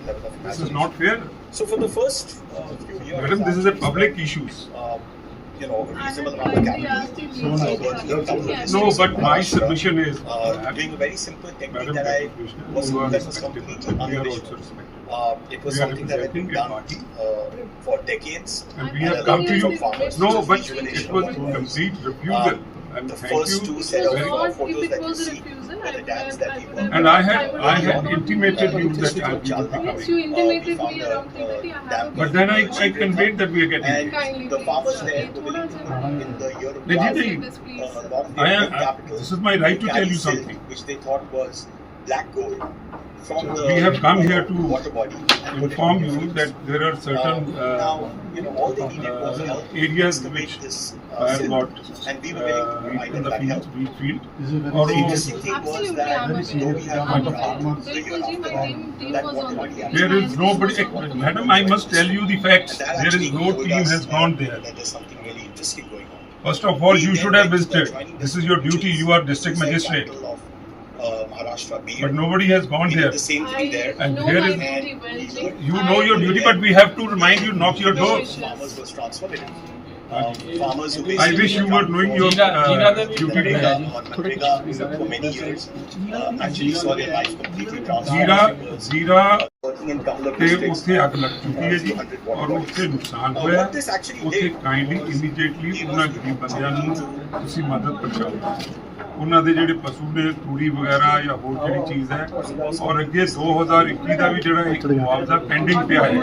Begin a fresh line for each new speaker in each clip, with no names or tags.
level of
This is
imagination.
not fair.
So for the first few years,
Madam, this is a public issue.
A reasonable amount of capital.
No, but my submission is
Doing a very simple technique
Madam
that I
Commissioner,
was
you are
that was
respected.
completely
We are also
unoriginal.
respected.
It was
We are
something that had been
representing a
done
party.
for decades.
And we
And
have
a
come
lot
to you.
of farmers
No,
to
but
visualization
it was a
of farmers.
complete refusal. And
The
thank
first
you.
two set of
very-
photos
if
that
it
you
was a
see
refusal,
were the dams that we were.
And I had intimated you that I will be
Yes,
coming.
you intimated me around 3:30. I have a
But then I conveyed that we are getting
And
it.
Kindly,
the farmers
please,
there
sir.
who will in the year of
They
drought,
did
This, please.
along
I
their
am-
capital,
this is my right to
they
tell
carry
you
silk,
something.
which they thought was black gold from the
We have come here to
water body and put it
inform
on
you
museums.
that there are certain
now, all they needed was help
areas
to
which
make this
I have
silk,
got
and we were willing to provide
in
them
the
that help.
field, field.
The
Or
interesting thing was
Absolutely,
that
I'm aware.
we have
I'm
one
aware.
farmer, so
Bilkul ji, my team
that
was
water
on the
body
field.
there is nobody, madam, I must tell you the facts.
And that
There is
actually
no
told
team
us
has gone there.
that there's something really interesting going on.
First of all, you should have visited. This is your duty. You are district magistrate.
Maharashtra,
But nobody has gone
we did
there.
the same thing there.
And
know
here
my
is-
duty well, ji.
You know your duty, but we have to remind you, knock your door.
Farmers was transformative. Farmers who
I wish you were knowing your duty.
Manrega for many years actually saw their life completely
Zira
transformed.
Zira
Working in couple of
ਤੇ
districts.
ਉੱਥੇ ਅੱਗ ਲੱਗ ਚੁੱਕੀ ਹੈ ਜੀ ਔਰ ਉੱਥੇ ਨੁਕਸਾਨ ਹੋਇਆ ਉੱਥੇ ਕਾਈਂਡਲੀ ਇਮੀਡੀਏਟਲੀ ਉਹਨਾਂ ਗਰੀਬ ਬੰਦਿਆਂ ਨੂੰ ਤੁਸੀਂ ਮਦਦ ਪਹੁੰਚਾਓ ਉਹਨਾਂ ਦੇ ਜਿਹੜੇ ਪਸ਼ੂ ਨੇ ਤੂੜੀ ਵਗੈਰਾ ਜਾਂ ਹੋਰ ਜਿਹੜੀ ਚੀਜ਼ ਹੈ ਔਰ ਅੱਗੇ 2021 ਦਾ ਵੀ ਜਿਹੜਾ ਇੱਕ ਮੁਆਵਜ਼ਾ ਪੈਂਡਿੰਗ ਪਿਆ ਹੈ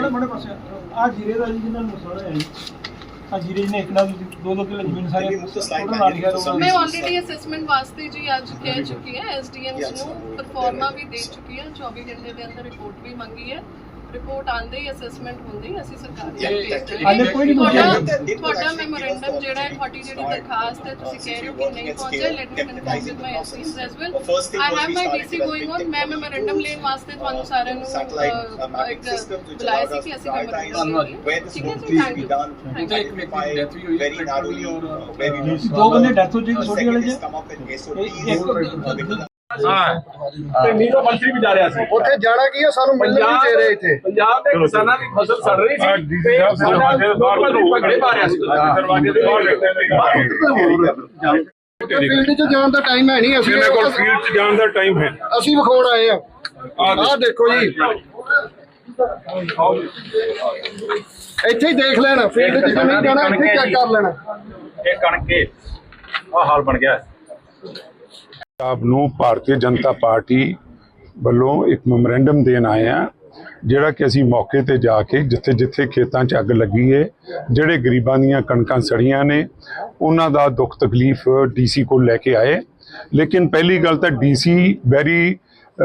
ਆ ਜੀਰੇ ਦਾ ਜੀ ਜਿਹਨਾਂ ਨੂੰ ਨੁਕਸਾਨ ਹੋਇਆ ਜੀ ਆ ਜੀਰੇ ਜਿਹਨੇ ਇੱਕ ਨਾਲ 2-2 ਕਿੱਲੇ ਜ਼ਮੀਨ ਸਾਰੇ ਟੋਟਲ ਨਾਲ ਲਿਖਿਆ ਹੋਇਆ
मैं ऑलरेडी असेसमेंट वास्ते जी आज कह चुकी है एसडीएम्स ਨੂੰ ਪਰਫਾਰਮਾ ਵੀ ਦੇ ਚੁੱਕੀ ਹੈ 24 ਘੰਟੇ ਦੇ ਅੰਦਰ ਰਿਪੋਰਟ ਵੀ ਮੰਗੀ ਹੈ ਰਿਪੋਰਟ ਆਂਦੇ ਹੀ ਅਸੈਸਮੈਂਟ ਹੁੰਦੇ ਹੀ ਅਸੀਂ ਸਰਕਾਰ ਨੂੰ ਭੇਜ
ਹਾਲੇ ਕੋਈ ਨਹੀਂ
ਤੁਹਾਡਾ ਮੈਮੋਰੈਂਡਮ ਜਿਹੜਾ ਹੈ ਤੁਹਾਡੀ ਜਿਹੜੀ ਦਰਖਾਸਤ ਹੈ ਤੁਸੀਂ ਕਹਿ ਰਹੇ ਹੋ ਕਿ ਨਹੀਂ ਪਹੁੰਚਿਆ let me confirm with my SPs as well I have my DC going on ਮੈਂ ਮੈਮੋਰੈਂਡਮ ਲੈਣ ਵਾਸਤੇ ਤੁਹਾਨੂੰ ਸਾਰਿਆਂ ਨੂੰ ਇੱਕ ਬੁਲਾਇਆ ਸੀ ਕਿ ਅਸੀਂ ਮੈਮੋਰੈਂਡਮ ਠੀਕ ਹੈ ਜੀ ਥੈਂਕ ਯੂ
ਇੱਕ ਮਿੰਟ ਡੈਥ ਵੀ ਹੋਈ very narrowly very
ਦੋ ਬੰਦੇ ਡੈਥ ਹੋ ਚੁੱਕੀ ਛੋਟੀ ਵਾਲੇ ਚ
ਤੇ ਨੀਰੋ ਮੰਤਰੀ ਵੀ ਜਾ ਰਿਹਾ ਸੀ
ਉੱਥੇ ਜਾਣਾ ਕੀ ਹੈ ਸਾਨੂੰ ਮਿਲਣ ਨਹੀਂ ਦੇ ਰਹੇ ਇੱਥੇ
ਪੰਜਾਬ ਦੇ ਕਿਸਾਨਾਂ ਦੀ ਫਸਲ ਸੜ ਰਹੀ ਸੀ ਤੇ ਸਾਡਾ ਲੋਕਾਂ ਨੂੰ ਪਗੜੇ ਪਾ ਰਿਹਾ ਸੀ ਦਰਵਾਜ਼ੇ ਦੇ ਬਾਹਰ
ਫੀਲਡ 'ਚ ਜਾਣ ਦਾ ਟਾਈਮ ਹੈ ਨਹੀਂ
ਮੇਰੇ ਕੋਲ ਫੀਲਡ 'ਚ ਜਾਣ ਦਾ ਟਾਈਮ ਹੈ
ਅਸੀਂ ਵਿਖਾਉਣ ਆਏ ਆ ਆਹ ਦੇਖੋ ਜੀ ਇੱਥੇ ਹੀ ਦੇਖ ਲੈਣਾ ਫੀਲਡ 'ਚ ਨਹੀਂ ਜਾਣਾ ਇੱਥੇ ਚੈੱਕ ਕਰ ਲੈਣਾ
ਇਹ ਕਣਕੇ ਆ ਹਾਲ ਬਣ ਗਿਆ
ਆਪ ਨੂੰ ਭਾਰਤੀ ਜਨਤਾ ਪਾਰਟੀ ਵੱਲੋਂ ਇੱਕ ਮੈਮੋਰੈਂਡਮ ਦੇਣ ਆਏ ਆ ਜਿਹੜਾ ਕਿ ਅਸੀਂ ਮੌਕੇ ਤੇ ਜਾ ਕੇ ਜਿੱਥੇ ਜਿੱਥੇ ਖੇਤਾਂ 'ਚ ਅੱਗ ਲੱਗੀ ਹੈ ਜਿਹੜੇ ਗਰੀਬਾਂ ਦੀਆਂ ਕਣਕਾਂ ਸੜੀਆਂ ਨੇ ਉਹਨਾਂ ਦਾ ਦੁੱਖ ਤਕਲੀਫ ਡੀਸੀ ਕੋਲ ਲੈ ਕੇ ਆਏ ਲੇਕਿਨ ਪਹਿਲੀ ਗੱਲ ਤਾਂ ਡੀਸੀ ਵੈਰੀ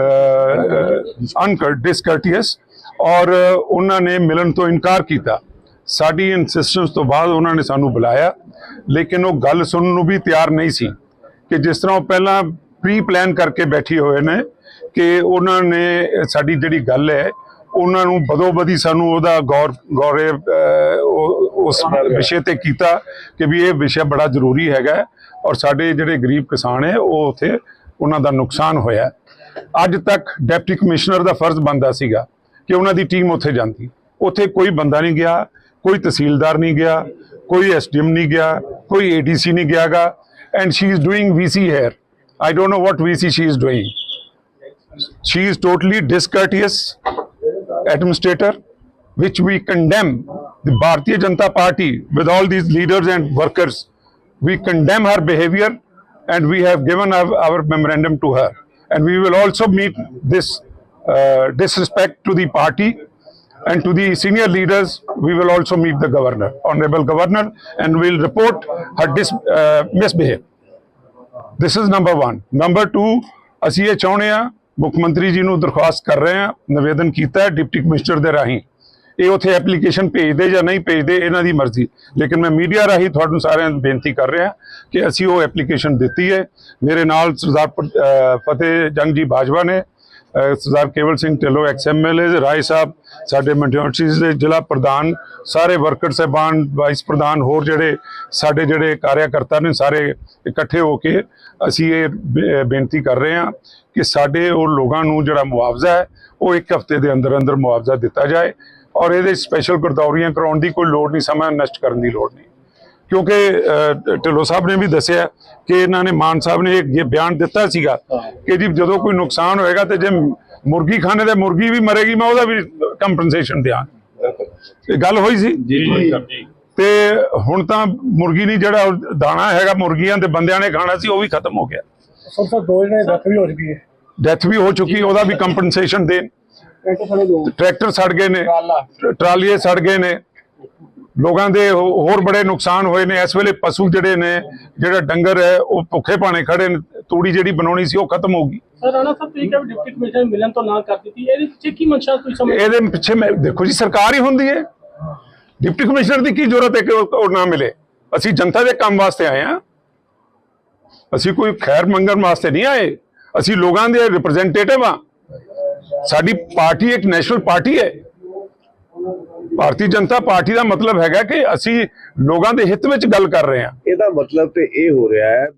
ਡਿਸਕਰਟੀਅਸ ਔਰ ਉਹਨਾਂ ਨੇ ਮਿਲਣ ਤੋਂ ਇਨਕਾਰ ਕੀਤਾ ਸਾਡੀ ਇਨਸਿਸਟੈਂਸ ਤੋਂ ਬਾਅਦ ਉਹਨਾਂ ਨੇ ਸਾਨੂੰ ਬੁਲਾਇਆ ਲੇਕਿਨ ਉਹ ਗੱਲ ਸੁਣਨ ਨੂੰ ਵੀ ਤਿਆਰ ਨਹੀਂ ਸੀ ਕਿ ਜਿਸ ਤਰ੍ਹਾਂ ਉਹ ਪਹਿਲਾਂ ਪ੍ਰੀ ਪਲਾਨ ਕਰਕੇ ਬੈਠੇ ਹੋਏ ਨੇ ਕਿ ਉਹਨਾਂ ਨੇ ਸਾਡੀ ਜਿਹੜੀ ਗੱਲ ਹੈ ਉਹਨਾਂ ਨੂੰ ਬਦੋ-ਬਦੀ ਸਾਨੂੰ ਉਹਦਾ ਗੌਰੇ ਉਸ ਵਿਸ਼ੇ ਤੇ ਕੀਤਾ ਕਿ ਵੀ ਇਹ ਵਿਸ਼ਾ ਬੜਾ ਜ਼ਰੂਰੀ ਹੈਗਾ ਔਰ ਸਾਡੇ ਜਿਹੜੇ ਗਰੀਬ ਕਿਸਾਨ ਹੈ ਉਹ ਉੱਥੇ ਉਹਨਾਂ ਦਾ ਨੁਕਸਾਨ ਹੋਇਆ ਅੱਜ ਤੱਕ ਡਿਪਟੀ ਕਮਿਸ਼ਨਰ ਦਾ ਫਰਜ਼ ਬਣਦਾ ਸੀਗਾ ਕਿ ਉਹਨਾਂ ਦੀ ਟੀਮ ਉੱਥੇ ਜਾਂਦੀ ਉੱਥੇ ਕੋਈ ਬੰਦਾ ਨਹੀਂ ਗਿਆ ਕੋਈ ਤਹਿਸੀਲਦਾਰ ਨਹੀਂ ਗਿਆ ਕੋਈ ਐਸਡੀਐਮ ਨਹੀਂ ਗਿਆ ਕੋਈ ਏਡੀਸੀ ਨਹੀਂ ਗਿਆਗਾ and she is doing VC here. I don't know what VC she is doing. She is totally discourteous administrator, which we condemn. The Bharatiya Janata Party, with all these leaders and workers, we condemn her behavior and we have given our memorandum to her. And we will also meet this disrespect to the party and to the senior leaders. We will also meet the governor, honorable governor, and we'll report her misbehave. This is number one. Number two, ਅਸੀਂ ਇਹ ਚਾਹੁੰਦੇ ਹਾਂ ਮੁੱਖ ਮੰਤਰੀ ਜੀ ਨੂੰ ਦਰਖਾਸਤ ਕਰ ਰਹੇ ਹਾਂ ਨਿਵੇਦਨ ਕੀਤਾ ਹੈ ਡਿਪਟੀ ਕਮਿਸ਼ਨਰ ਦੇ ਰਾਹੀਂ ਇਹ ਉੱਥੇ ਐਪਲੀਕੇਸ਼ਨ ਭੇਜਦੇ ਜਾਂ ਨਹੀਂ ਭੇਜਦੇ ਇਹਨਾਂ ਦੀ ਮਰਜ਼ੀ ਲੇਕਿਨ ਮੈਂ ਮੀਡੀਆ ਰਾਹੀਂ ਤੁਹਾਨੂੰ ਸਾਰਿਆਂ ਨੂੰ ਬੇਨਤੀ ਕਰ ਰਿਹਾ ਕਿ ਅਸੀਂ ਉਹ ਐਪਲੀਕੇਸ਼ਨ ਦਿੱਤੀ ਹੈ ਮੇਰੇ ਨਾਲ ਸਰਦਾਰ ਫਤਿਹ ਜੰਗ ਜੀ ਬਾਜਵਾ ਨੇ ਸਰਦਾਰ ਕੇਵਲ ਸਿੰਘ ਢਿੱਲੋਂ XMLA ਰਾਏ ਸਾਹਿਬ, ਸਾਡੇ ਮਿਊਨਿਸਪੈਲਿਟੀਜ਼ ਦੇ ਜ਼ਿਲ੍ਹਾ ਪ੍ਰਧਾਨ, ਸਾਰੇ ਵਰਕਰ ਸਾਹਿਬਾਨ, ਵਾਈਸ ਪ੍ਰਧਾਨ, ਹੋਰ ਸਾਡੇ ਜਿਹੜੇ ਕਾਰਿਆਕਰਤਾ ਨੇ, ਸਾਰੇ ਇਕੱਠੇ ਹੋ ਕੇ ਅਸੀਂ ਇਹ ਬੇਨਤੀ ਕਰ ਰਹੇ ਹਾਂ ਕਿ ਸਾਡੇ ਉਹ ਲੋਕਾਂ ਨੂੰ ਜਿਹੜਾ ਮੁਆਵਜ਼ਾ ਹੈ ਉਹ 1 ਹਫ਼ਤੇ ਦੇ ਅੰਦਰ ਅੰਦਰ ਮੁਆਵਜ਼ਾ ਦਿੱਤਾ ਜਾਏ, ਔਰ ਇਹਦੇ ਸਪੈਸ਼ਲ ਗਰਦੌਰੀਆਂ ਕਰਾਉਣ ਦੀ ਕੋਈ ਲੋੜ ਨਹੀਂ, ਸਮਾਂ ਨਸ਼ਟ ਕਰਨ ਦੀ ਲੋੜ ਨਹੀਂ। ਕਿਉਂਕਿ ਢਿੱਲੋਂ ਸਾਹਿਬ ਨੇ ਵੀ ਦੱਸਿਆ ਕਿ ਇਹਨਾਂ ਨੇ, ਮਾਨ ਸਾਹਿਬ ਨੇ ਇਹ ਬਿਆਨ ਦਿੱਤਾ ਸੀਗਾ ਕਿ ਜੀ ਜਦੋਂ ਕੋਈ ਨੁਕਸਾਨ ਹੋਏਗਾ ਤੇ ਜੇ ਮੁਰਗੀ ਖਾਣੇ ਤੇ ਮੁਰਗੀ ਵੀ ਮਰੇਗੀ ਮੈਂ ਉਹਦਾ ਵੀ ਕੰਪਨਸੇਸ਼ਨ ਦਿਆਂ। ਇਹ ਗੱਲ ਹੋਈ ਸੀ ਤੇ ਹੁਣ ਤਾਂ ਮੁਰਗੀ ਨਹੀਂ, ਜਿਹੜਾ ਦਾਣਾ ਹੈਗਾ ਮੁਰਗੀਆਂ ਤੇ ਬੰਦਿਆਂ ਨੇ ਖਾਣਾ ਸੀ ਉਹ ਵੀ ਖਤਮ ਹੋ ਗਿਆ।
ਸਰ 2 ਜਣੇ ਡੈਥ ਵੀ ਹੋ ਚੁੱਕੀ ਹੈ।
ਡੈਥ ਵੀ ਹੋ ਚੁੱਕੀ, ਉਹਦਾ ਵੀ ਕੰਪਨਸੇਸ਼ਨ ਦੇਣ। ਟਰੈਕਟਰ ਸੜ ਗਏ ਨੇ, ਟਰਾਲੀਏ ਸੜ ਗਏ ਨੇ, ਲੋਕਾਂ ਦੇ ਹੋਰ ਬੜੇ ਨੁਕਸਾਨ ਹੋਏ ਨੇ। ਇਸ ਵੇਲੇ ਪਸ਼ੂ ਜਿਹੜੇ ਨੇ, ਜਿਹੜਾ ਡੰਗਰ ਹੈ ਉਹ ਭੁੱਖੇ ਭਾਣੇ ਖੜੇ ਨੇ, ਤੂੜੀ ਜਿਹੜੀ ਬਣਾਉਣੀ ਸੀ ਉਹ ਖਤਮ ਹੋ ਗਈ।
ਸਰ ਰਾਣਾ ਸਾਹਿਬ ਤੁਸੀਂ ਕਿਹਾ ਡਿਪਟੀ ਕਮਿਸ਼ਨਰ ਮਿਲਣ ਤੋਂ ਨਾ ਕਰ ਦਿੱਤੀ, ਇਹਦੇ ਪਿੱਛੇ ਕੀ ਮਨਸ਼ਾ ਤੁਸੀਂ ਸਮਝ?
ਇਹਦੇ ਪਿੱਛੇ ਦੇਖੋ ਜੀ, ਸਰਕਾਰ ਹੀ ਹੁੰਦੀ ਹੈ, ਡਿਪਟੀ ਕਮਿਸ਼ਨਰ ਦੀ ਕੀ ਜ਼ਰੂਰਤ ਹੈ ਕਿ ਉਹ ਨਾ ਮਿਲੇ। ਅਸੀਂ ਜਨਤਾ ਦੇ ਕੰਮ ਵਾਸਤੇ ਆਏ ਹਾਂ, ਅਸੀਂ ਕੋਈ ਖੈਰ ਮੰਗਣ ਵਾਸਤੇ ਨਹੀਂ ਆਏ, ਅਸੀਂ ਲੋਕਾਂ ਦੇ ਰਿਪਰੈਜ਼ੈਂਟੇਟਿਵ ਹਾਂ। ਸਾਡੀ ਪਾਰਟੀ ਇੱਕ ਨੈਸ਼ਨਲ ਪਾਰਟੀ ਹੈ, ਭਾਰਤੀ ਜਨਤਾ ਪਾਰਟੀ ਦਾ ਮਤਲਬ ਹੈਗਾ ਕਿ ਅਸੀਂ ਲੋਕਾਂ ਦੇ ਹਿੱਤ ਵਿੱਚ ਗੱਲ ਕਰ ਰਹੇ ਹਾਂ।
ਇਹਦਾ ਮਤਲਬ ਤੇ ਇਹ ਹੋ ਰਿਹਾ ਹੈ